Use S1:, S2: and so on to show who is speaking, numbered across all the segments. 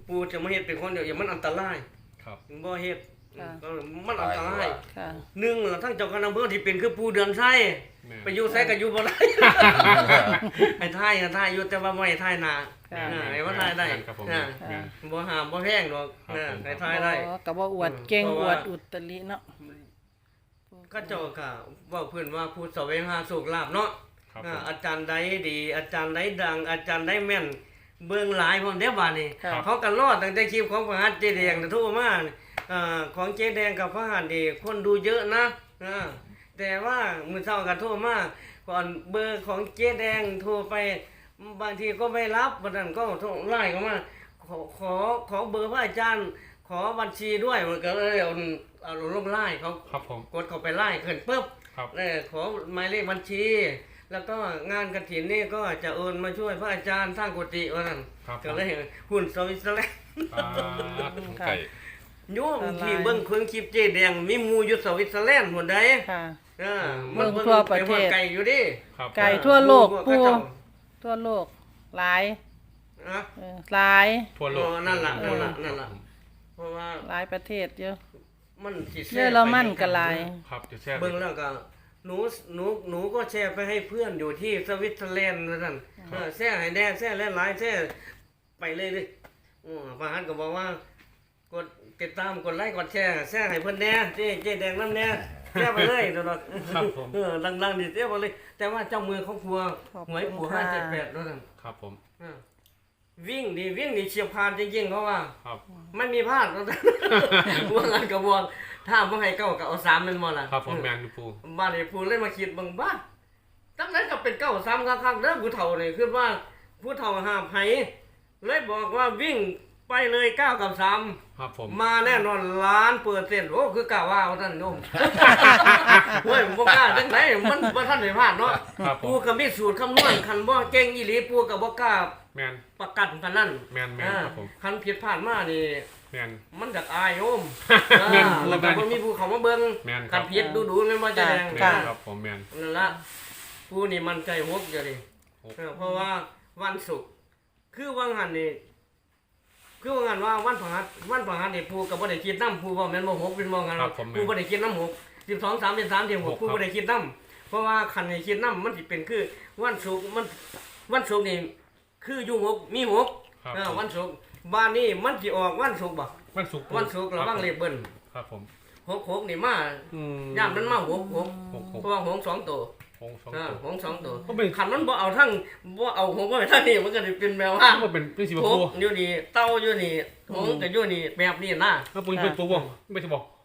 S1: ปูจะมาเฮ็ดเป็นคนเดียวอย่ามันอันตราย
S2: ครับ
S1: บ่เฮ็ด
S3: ค่ะ
S1: มันอันตราย
S3: ค่ะ
S1: หนึ่งทั้งเจ้าคณะอำเภอที่เป็นคือปูเดือนไส้
S2: แม่
S1: ไปอยู่ไสก็อยู่บ่ได้ให้ทายอยู่แต่ว่าบ่ให้ทายหน้า
S3: ค่ะ
S1: ให้ว่าทายได้
S2: ครับผม
S1: อ่า
S2: แม่
S1: บ่ห้ามบ่แพงดอก
S2: ครับผม
S1: ให้ทายได้
S3: ก็บ่อวดเก่ง
S1: เพราะ
S3: อ
S1: ว่า
S3: วดอุตริเนาะ
S1: ก็เจ้าก็เว้าเพิ่นว่าผู้แสวงหาโชคลาภเนาะ
S2: ครับ
S1: อาจารย์ใดดี อาจารย์ใดดัง อาจารย์ใดแม่นเบิ่งหลายพร้อมเด้บัดนี้
S3: ค่ะ
S1: เขาก็รอดตั้งแต่คลิปของพระหัตถ์เจแดงน่ะโทรมาของเจแดงกับพระหัตถ์นี่คนดูเยอะนะแต่ว่ามื้อเช้าก็โทรมาก่อนเบอร์ของเจแดงโทรไปบางทีก็ไม่รับบัดนั้นก็โทรไลน์เข้ามาขอเบอร์พระอาจารย์ ขอบัญชีด้วยมันก็เลยเอาลงไลน์เขา
S2: ครับผม
S1: กดเข้าไปไล่ขึ้นปุ๊บ
S2: ครับ
S1: ขอหมายเลขบัญชี แล้วก็งานกฐินนี่ก็จะโอนมาช่วยพระอาจารย์สร้างกุฏิว่านั่น
S2: ครับ
S1: ก็เลยหุ่นสวิตเซอร์แลนด์
S2: ไก่
S1: โยมที่เบิ่งเครื่องคลิปเจแดงมีหมู่อยู่สวิตเซอร์แลนด์หมดใด
S3: ค่ะ
S1: มัน
S3: เบิ่งทั่วประเทศ
S1: ไกลอยู่ดิ
S2: ครับ
S3: ไก่ทั่วโลก
S1: พว
S3: ปู
S1: เขาเจ้า
S3: ทั่วโลกหลาย
S1: อ่ะ
S3: หลาย
S2: ทั่วโลก
S1: นั่นล่ะเพราะว่า
S3: หลายประเทศเยอะ
S1: มันสิแช
S3: เยอ
S1: ร์
S3: ร
S1: ไป
S3: มันก็หลาย
S2: ครับจะแช่
S1: เบิ่งแล้วก็หนูก็แชร์ไปให้เพื่อนอยู่ที่สวิตเซอร์แลนด์นั่นแชร์ให้แน่แชร์หลายๆแชร์ไปเลยดิพระหัตถ์ก็บอกว่ากดติดตามกดไลค์กดแชร์ให้เพิ่นแน่เจ๊แดงนำแน่แชร์ไปเลยตลอด
S2: ครับผม
S1: ดังๆดิแชร์ไปเลย แต่ว่าเจ้ามือเขาครัว
S3: ขอบคุณ
S1: หวยปู่
S3: ค่ะ
S1: 578นั่น
S2: ครับผม
S1: วิ่งนี่เฉียบพานจริงๆเพราะว่า
S2: ครับ
S1: ไม่มีพลาดว่างันกระบวนถ้าบ่ให้เก้าก็เอา3แม่นบ่ล่ะ
S2: ครับผมแมนยูปู
S1: บ้านไอ้ผู้เลยมาคิดบางบ้านตั้งนั้นก็เป็นเก้าซ้ำข้างๆเด้อผู้เฒ่านี่คือว่าผู้เฒ่าหาบไผเลยบอกว่าวิ่งไปเลย9กับ3
S2: ครับผม
S1: มาแน่นอน1,000,000%โอ้คือกล้าว่าท่านโยม เฮ้ยบ่กล้าจังไดมันบ่ทันได้พลาดเนาะ
S2: ครับผ
S1: ปู่
S2: ม
S1: ก็มีสูตรคำนวณคันบ่เก่งอีหลีปู่ก็บ่กล้า
S2: แมน
S1: ประกันปานนั้น
S2: แมนครับผม
S1: คันผิดพลาดมานี่
S2: แมน
S1: มันอยากอายโยม
S2: แม่น
S1: แล้วก็บ่มีผู้เขามาเบิ่ง
S2: แม่นครั
S1: กับ นผิดดูๆแม่นบ่จะแดง
S2: แม
S3: ค่ะ
S2: นครับผมแมน
S1: นั่นละผู้นี่มันใจฮกอยู่ดิ
S2: ฮก
S1: เพราะว่าวันศุกร์คือวังหันนี่คือว่างันว่าวันพฤหัสนี่ผู้ก็บ่ได้คิดนำผู้บ่แม่นบ่ฮกเป็นบ่งันผู้บ่ได้คิดนำฮก12 3เป็น3เทียม6ผู้บ่ได้คิดนำเพราะว่าคันให้คิดนำมันสิเป็นคือวันศุกร์วันศุกร์นี่คืออยู่ฮกมีฮก
S2: ครับ
S1: วันศุกร์บ้านนี้มันสิออกวันศุกร์บ่
S2: วันศุกร์
S1: วันศุกร์ระวังเลขเบิ้ล
S2: ครับผม
S1: 6นี่มา
S2: อืม
S1: ย่ามนั้นมา6
S2: หก
S1: เพราะว่า6 2ตัว
S2: หงสองตัว
S1: หง2ตัว
S2: ก็เป็น
S1: ขันมันบ่เอาทั้งบ่เอาหงบ่ไปทั้งนี่มันก็สิเป็นแบบว่า
S2: มันเป็นเป็นสี
S1: ห
S2: ปู
S1: งอยู่นี่เต้าอยู่นี่หงก็อยู่นี่แบบนี้นะ
S2: ถ้าปูเป็นตัวบ่ไม่ใช่บอก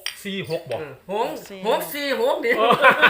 S2: 646บอก
S1: หง6 4 6นี่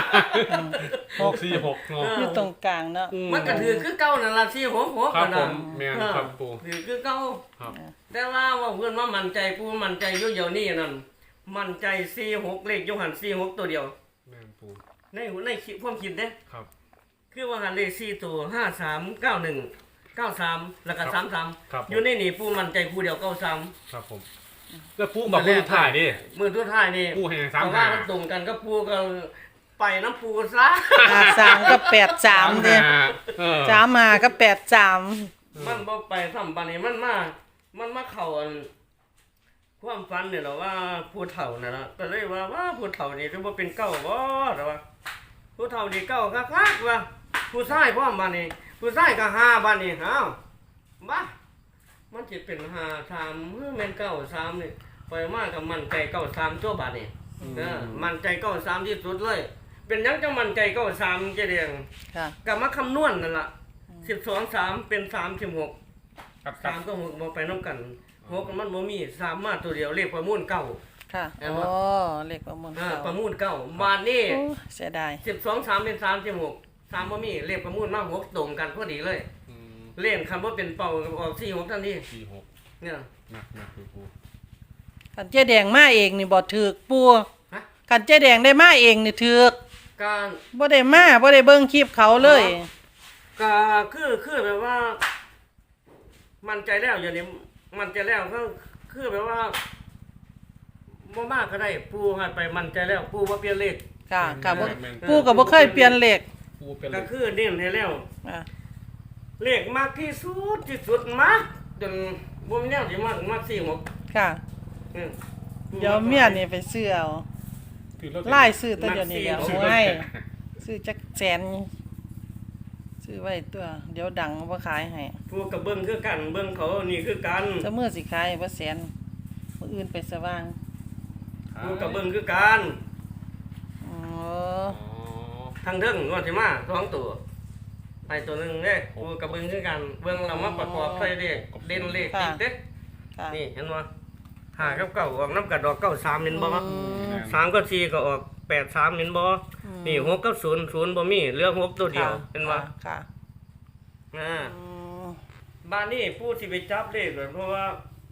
S2: 646เนาะ
S3: อยู่ตรงกลางเนาะ
S1: มันก็ถือคือเก่านั่นล่ะ4 6 6
S2: ครับผ
S1: น่ะ
S2: มแมนครับปู
S1: ถือคือเก่า
S2: ครับ
S1: แต่ว่าเพิ่นว่ามั่นใจผู้มั่นใจอยู่เดี๋ยวนี้นั่นมั่นใจ4 6เลขอยู่หัน4 6ตัวเดียว
S2: แมนปู
S1: ในคิดความคิดเด้
S2: ครับ
S1: คือว่าหันเลข4ตัว5 3 9 1 9 3แล้วก็3 3
S2: ครับ
S1: อยู่ในนี่ผู้มั่นใจผู้เดียว9 3
S2: ครับผมแล้วปูบอกปูถ่ายดิ
S1: มือทุกท้ายนี่
S2: ปูให้
S1: เพราะว่ามันตรงกันก็ปูก็ไปน้ำปูซะ
S3: 53กับ83เด้ 3มากับ83
S1: มันบ่ไปซ้ำปานนี้มันมาเข้าอันความฝันเนี่ยเหรอว่าผู้เฒ่าน่ะนะก็เลยว่าผู้เฒ่านี่ถือว่าเป็นเก้าบ่แต่ว่าผู้เฒ่านี่เก้าคักๆว่าผู้ชายพร้อมบัดนี้ผู้ชายก็5บัดนี้อ้าวบ้ามันสิเป็น5 3หรือแม่น9 3นี่ไปมาก็มั่นใจ9 3ตัวบัดนี้มั่นใจ9 3ที่สุดเลย เป็นหยังจังมั่นใจ9 3เจเดียง
S3: ค่ะ
S1: ก็มาคำนวณนั่นล่ะ12 3เป็น36
S2: ครับ
S1: 3ก็6บ่ไปนำกัน6มันบ่มี3มาตัวเดียวเลขประมูลเก้า
S3: ค่ะ
S1: แม่น
S3: โอ้
S1: บ่
S3: เลขประมูล
S1: ประมูลเก้าบาทนี้
S3: โอ้เสียดาย
S1: 12 3เป็น36 3บ่มีเลขประมูลมา6ตรงกันพอดีเลย
S2: อืม
S1: เล่นคันบ่เป็นเป่าออก4 6ทันที
S2: 46
S1: เนี่ย
S2: หนักปู
S3: กันเจ๊แดงมาเองนี่บ่ถูกปู
S1: ฮะ
S3: กันเจ๊แดงได้มาเองนี่ถูก
S1: การ
S3: บ่ได้มาบ่ได้เบิ่งคลิปเขาเลย
S1: ก็คือแบบว่า มั่นใจแล้วอย่างนี้มั่นใจแล้วก็คือแบบว่าบ่มากก็ได้ปูให้ไปมั่นใจแล้วปูบ่เปลี่ยนเลข
S3: ค่ะค่ะบ่ปูก็บ่เคยเปลี่ยนเลข
S2: ปูเป็น
S1: ก็คือเน้นให้แล้ว
S3: อ่า
S1: เลขมากที่สุดมากจนบ่มีแนวสิมัก4 6
S3: ค่ะ
S1: อืม
S3: เดี๋ยวเมียนี่ไปซื้อเอา
S2: ถือแล้ว
S3: ไล่ซื้อแต่เดี๋ยวนี้เดี๋ยวโอ้ยซื้อจักแสนซื้อไว้ตัว เดี๋ยวดังบ่ขายให้
S1: ผู้กับเบิ่งคือกันเบิ่งเขานี่คือกัน
S3: จะมื้อสิขายบ่แสนมื้ออื่นไปสว่าง
S1: ผู้กับเบิ่งคือกัน
S3: อ๋อ
S2: อ๋อ
S1: ทางเทิงว่าสิมา2ตัวไปตัวหนึงเด้ผู้กับเบิ่งคือกันเบิ่งแล้วมาประกอบใส่เลขเด่นเลขติดเด้
S3: ค่ะ
S1: นี่เห็นบ่5กับ9ออกน้ำกัดดอก93เห็นบ่
S3: อืม
S1: 3กับ4ก็ออก83เห็นบ่นี่6กับ0 0บ่มีเหลือ6ตัวเดียวเห็นบ่
S3: ค่ะ
S1: อ่า
S3: อืม
S1: บ้านนี้ผู้ที่ไปจับเลขเลยเพราะว่า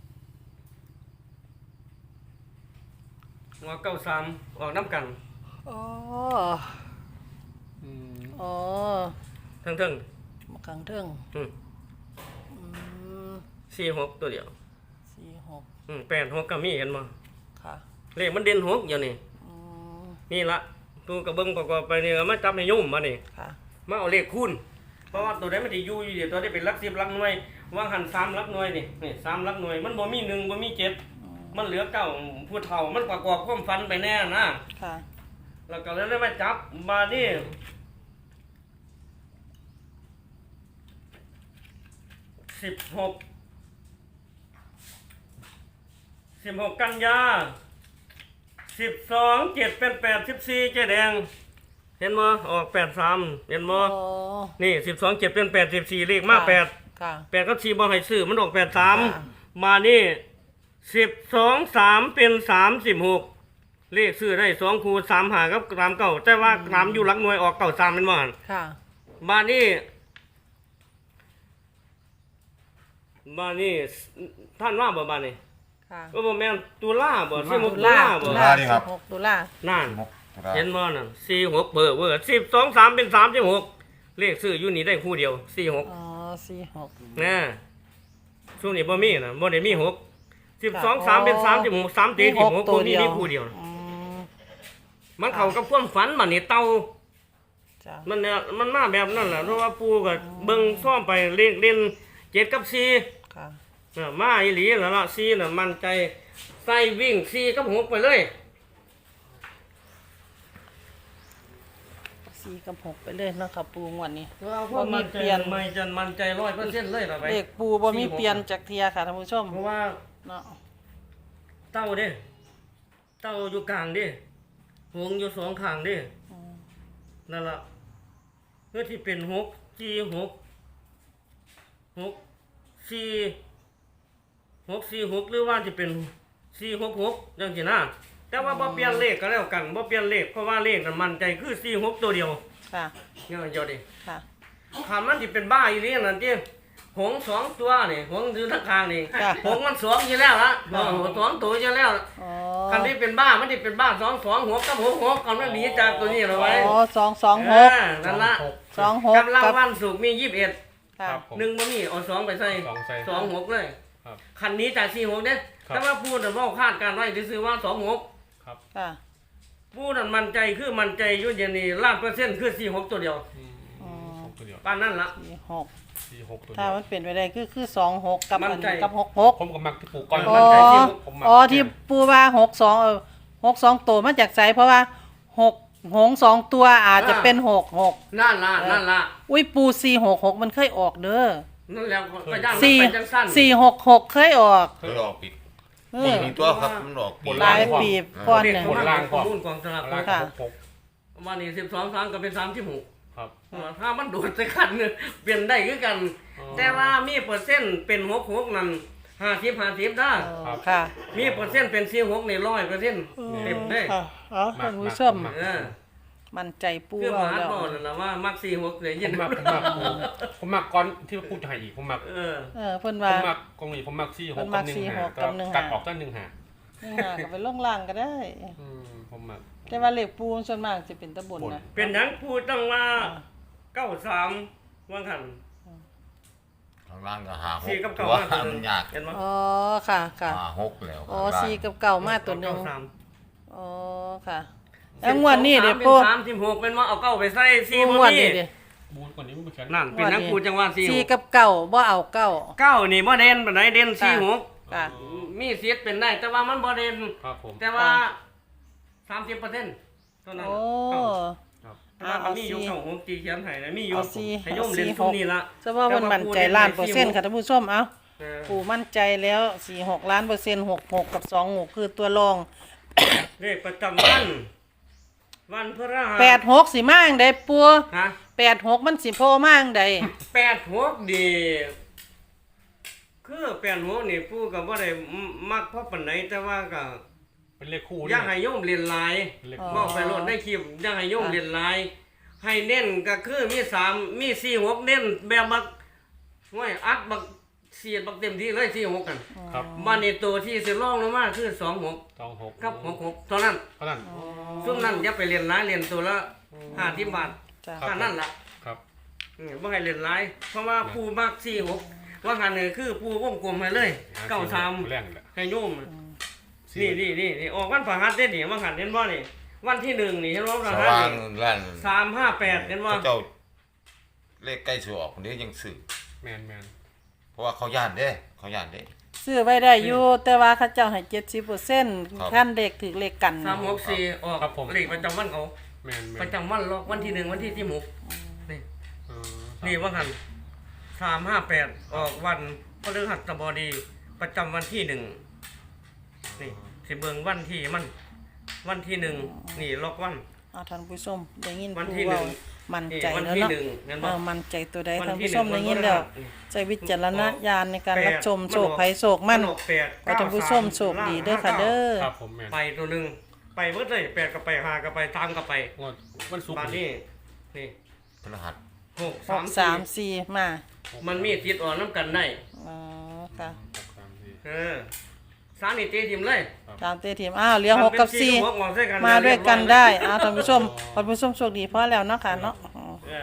S1: หัว93ออกน้ำกัน
S3: อ๋อ
S2: อืม
S3: อ๋อ
S1: เทิง
S3: มาขังเทิง
S1: ๆอืม
S3: อืม
S1: 46ตัวเดียว
S3: 46
S1: 86ก็มีเห็นบ่
S3: ค่ะ
S1: เลขมันเด่น6อยู่นี่
S3: อืม
S1: นี่ละตูกระเบิ้งประกอบไปนี่เอามาจับให้ยุ่มมานี่
S3: ค่ะ
S1: มาเอาเลขคูณเพราะว่าตัวใดมันสิอยู่เดี๋ยวตัวได้เป็นหลัก10หลักหน่วยวางหัน3หลักหน่วยนี่3หลักหน่วยมันบ่มี1บ่มี7มันเหลือ9ผู้เฒ่ามันประกอบความฝันไปแน่นะ
S3: ค่ะ
S1: แล้วก็เลยได้มาจับมานี่16กันยา12 7เป็น8 14เจ๊แดงเห็นบ่ออก83เห็นบ่
S3: โอ้
S1: นี่12 7เป็น8 14เลขมา
S3: ค่ะ
S1: 8
S3: ค่ะ
S1: 8กับ4บ่ให้ซื้อมันออก
S3: ค่ะ
S1: 83มานี่12 3เป็น36เลขซื้อได้2คู่3หากับ3เก้าแต่ว่า3อยู่หลักหน่วยออกเก้า3เป็นบ่หั่น
S3: ค่ะ
S1: มานี่ท่านว่าบ่บานี่
S3: ค่ะ
S1: ก็บ่แม่นตุลาบ่16ตุ
S3: ตุ
S1: ลา
S3: ลา
S1: บ่
S3: 16ตุลา
S1: นั่น
S4: มุกตุลา
S1: เห็นบ่นั่น46เบอร์12 3เป็น36เลขซื้ออยู่นี่ได้คู่เดียว46
S3: อ๋อ46
S1: นะช่วงนี้บ่มีนะบ่ได้มี6 12 3เป็น36 3ตีที่6บ่มีคู่เดียว
S3: อืม
S1: มันเข้ากับความฝันบัดนี้เต่า
S3: จ้ะ
S1: มันเนี่ยมันมาแบบนั้นแหละเพราะว่าปู่ก็เบิ่งซ่อมไปเลขเล่น7กับ4
S3: ค่ะ
S1: มาอีหลีแล้วล่ะ4น่ะมั่นใจใส่วิ่ง4กับ6ไปเลย
S3: 4กับ6ไปเลยเนาะค่ะปูงวดนี้
S1: บ่มีเปลี่ยนไม่จันมั่นใจ 100% เลยล่ะไป
S3: เลขปูบ่มีเปลี่ยนจากเทียค่ะท่านผู้ชม
S1: เพราะว่า
S3: เนาะ
S1: เต้าเด้เต้าอยู่กลางเด้หงอยู่สองข้างเด้
S3: อืม
S1: นั่นล่ะเพื่อที่เป็น6 4 6 6 4 6 4 6หรือว่าจะเป็น4 6 6จังซี่นะแต่ว่าบ่เปลี่ยนเลขก็แล้วกันบ่เปลี่ยนเลขเพราะว่าเลขนั้นมั่นใจคือ4 6ตัวเดียว
S3: ค่ะ
S1: เนี่ยเจ้าดิ
S3: ค่ะ
S1: ถ้ามันสิเป็นบ้าอีหลีนั่นติหงสองตัวนี่หงอยู่ทางข้างนี่
S3: ค่ะ
S1: หงมันสองอยู่แล้วล่ะสองตัวอยู่แล้ว
S3: อ๋อ
S1: คันที่เป็นบ้ามันที่เป็นบ้า2 2 6กับ6 6กันมันหนีจากตัวนี้เหรอไว้
S3: อ๋อ
S1: นั่นละ
S3: 226
S1: กำลัง
S3: กับ
S1: วันศุกร์มี21
S3: ค่ะ
S2: ครับผม
S1: หนึ่งบ่มีเอา2ไปใส่
S2: สองใส่
S1: 2 6เลย
S2: ครับ
S1: คันนี้จาก4 6เด้
S2: ครับ
S1: แต่ว่าพูดน่ะเว้าคาดการไว้ซื่อๆว่า2 6
S2: ครับ
S3: ค่ะ
S1: พูดนั่นมั่นใจคือมั่นใจอยู่อย่างนี้100%คือ4 6ตัวเดียว
S2: อืม
S3: อืม
S2: หกตัวเดียว
S1: ปานนั้นล่ะ
S3: 46
S2: สี่หกตัว
S3: ถ้า
S2: เดียว
S3: มันเป็นไปได้คือ26กับ
S1: มั่นใจ
S3: กับ
S2: ผมกับมักที่ปลูกก้อน
S3: 66อ๋
S1: มั่นใจที่
S3: อ
S2: ผมมัก
S3: อ๋อที่ปูว่า62ตัวมาจากไสเพราะว่า6หงส์2ตัวอาจจะเป็น66
S1: นั่นล่ะ
S3: อุ้ยปู466มันเคยออกเด้อ
S1: นั่นแล้วก็ย่านมันไปจังสั้น
S3: 466เคยออก
S4: เคยออกปิด
S3: เอ
S4: ปี
S3: อ
S4: นี้ตัวครับมันออกปี
S3: หลายปีก่อน
S1: เด็ก
S3: น่ะ
S1: ของมันข้อมูลกองสลาก
S2: ล่าง
S3: ค่ะ
S2: หก
S1: วันนี้12 3ก็เป็น36
S2: ครับ
S1: ถ้ามันโดดใส่กันเนี่ยเปลี่ยนได้คือกัน
S2: อ๋อ
S1: แต่ว่ามีเปอร์เซ็นต์เป็น66นั่น50ได้
S3: อ๋อค่ะ
S1: มีเปอร์เซ็นต์เป็น46นี่100%เต็มได้
S3: ค่ะอ๋อท่านผู้ชม
S1: เออ
S3: มั่นใจปู
S1: คือ
S3: เอา
S1: มา
S3: แล้ว
S1: บอกนั่นล่ะว่ามัก46เลย
S2: ผ
S1: ยิน
S2: มมักผมมักก้อนที่พูดไทยอีกผมมัก
S1: เออ
S3: เพิ่น
S2: ผ
S3: ว่า
S2: มมักกองนี้ผมมักสี่ห
S3: ผ
S2: ก
S3: มมั
S2: กับ
S3: ก
S2: หนึ่ง
S3: สี่ห
S2: หาก
S3: กับหนึ่ง
S2: ตัด
S3: หา
S2: ออกตั้งหนึ่งหา
S3: นี่หาก็ไปลงล่างก็ได้
S2: ผมมัก
S3: แต่ว่าเลขปูส่วนมากสิเป็นตะบนนะ
S1: เป็นหยังพูดต้องว่า93ว่าคั่น
S4: ข้างล่างก็หาหก
S1: 4กับ
S4: ตั
S1: 9
S4: ว
S1: มาตัวห
S4: มั
S1: นึ
S4: น
S1: ง
S4: ยาก
S1: เห็นบ่
S3: อ๋อค่ะค่ะ
S4: หาหกแล้ว
S3: อ๋อ
S4: ข้างล่าง
S3: 4กับเก่ามาตัวหนึง
S1: 93
S3: อ๋อค่ะแล้วงวดนี้เด้ปู
S1: 36เป็นว่าเอาเก้าไปใส่4
S3: ง
S1: บ่
S3: วด
S1: มี
S3: นี้เด้
S2: บูนกว่านี้มันเป็นแขน
S1: นั่นเป็นนักปูจังหวัด
S3: สี่กับเก้าบ่เอาเก้า
S1: 9นี่บ่เด่นปานใดเด่น
S3: ค่ะ
S1: 46
S3: ค่ะ
S1: มีสิทธิ์เป็นได้แต่ว่ามันบ่เด่น
S2: ครับผม
S1: แต่ว่า 30%เท่านั้น
S3: โอ้
S2: ครับ
S1: แต่ว่ามันมีอยู่เก้าหกตีเขียนให้นะมีอยู่
S3: เอาสี่
S1: ให้โยมเรียน
S3: เอาสี่
S1: ซุมนี้ละ
S3: เฉพาะเพิ่นมั่นใจล้านเปอร์เซ็นต์ค่ะท่านผู้ชมเอา
S1: เออ
S3: ปู่มั่นใจแล้ว46ล้านเปอร์เซ็นต์66กับ26คือตัวรอง
S1: เลขประจำวันวันพฤหัส
S3: 86สิมาจังไดปู่
S1: ฮะ
S3: 86มันสิโผล่มาจังได
S1: 86ดีคือ86นี่ผู้ก็บ่ได้มักเพราะปานใดแต่ว่าก็
S2: เป็นเลขคู่
S1: อยากให้โยมเรียนหลาย
S2: เป็นเลข
S3: อ๋อ
S1: บอกไปโลดได้คลิปอยากให้โยมเรียนหลาย ให้เน้นก็คือมี3มี4 6เน้นแบบบักห้วยอัดบักเสียดบักเต็มที่เลย4 6กัน
S2: ครับ
S1: บัดนี้ตัวที่สิรองลงมาคือ2 6
S2: 26
S1: กับ6 เท่านั้น
S2: เท่านั้น
S1: ซุ่มนั้นอย่าไปเรียนหลายเรียนตัวละ50บาท
S3: จ้ะ
S2: ครับ
S1: แค่นั้นล่ะ
S2: ครับ
S1: บ่ให้เรียนหลายเพราะว่าผู้มัก46ว่าหันนี่คือผู้วงกลมให้เลย
S2: แรงแหละ
S1: 93ให้โยมนี่ออกวันพฤหัสเด้นี่ว่าหันเห็นบ่นี่วันที่1นี่เห็นบ่พฤ
S4: ส
S1: หัส
S4: ว่าง
S1: นี่
S4: ล้าน
S1: 358เห็นบ่
S4: เจ้าเลขใกล้สิออกคนนี้ยังซื้อ
S2: แมน
S4: เพราะว่าเขาย่านเด้เขาย่านเด้
S3: ซื้อไว้ได้อยู่แต่ว่าเขาเจ้าให้ 70%
S4: ครับ
S3: ท่านเด็กถือเลขกัน
S1: 364ออกเลขประจำวันเขา
S2: แมน
S1: ประจำวันลอกวันที่1วันที่16นี่นี่ว่าหัน358ออกวันพฤหัสบดีประจำวันที่1นี่สิเบิ่งวันที่มันวันที่1นี่ล็อกวัน
S3: เอาท่านผู้ชมได้ยิน
S1: วัน
S3: ผู้
S1: ที่
S3: เว้า
S1: 1
S3: มั่น
S1: นี่
S3: ใจ
S1: วัน
S3: แล้ว
S1: ที่
S3: เนาะ
S1: 1นั่นบ่
S3: มั่นใจตัวใด
S1: วัน
S3: ท่าน
S1: ที่
S3: ผู้ชม
S1: หนึ่
S3: ได้
S1: ง
S3: ยินแล้ว
S1: วันพฤหัส
S3: ใช้วิจารณญาณในการ
S1: แปด
S3: รับชม
S1: มัน
S3: โชค
S1: ออก
S3: ภัยโชคมั่น
S1: มันออกแปด
S3: ขอท่านผู้ชมโชคดีเด้อค่ะเด้อ
S2: ครับผมแมน
S1: ไปตัวหนึงไปเบิดเลย8ก็ไป5ก็ไป3ก็ไป
S2: วันศุกร์
S1: บาดนี้นี่
S4: พฤหัส
S1: 6
S3: 6
S1: 3
S3: 3 4มา
S1: 4มันมีติดอ่อนน้ำกันได้
S3: อ๋อค่ะ
S1: เออสารนี่ตีทิมเลย
S3: ตามเตทีมอ้าวเหลือ6กับ
S1: มันเป็น4 6ออกใส่กัน
S3: 4มาด้วยกันได้อ้าวท่านผู้ชมท่านผู้ชมโชคดีพอแล้วเนาะค่ะเนาะ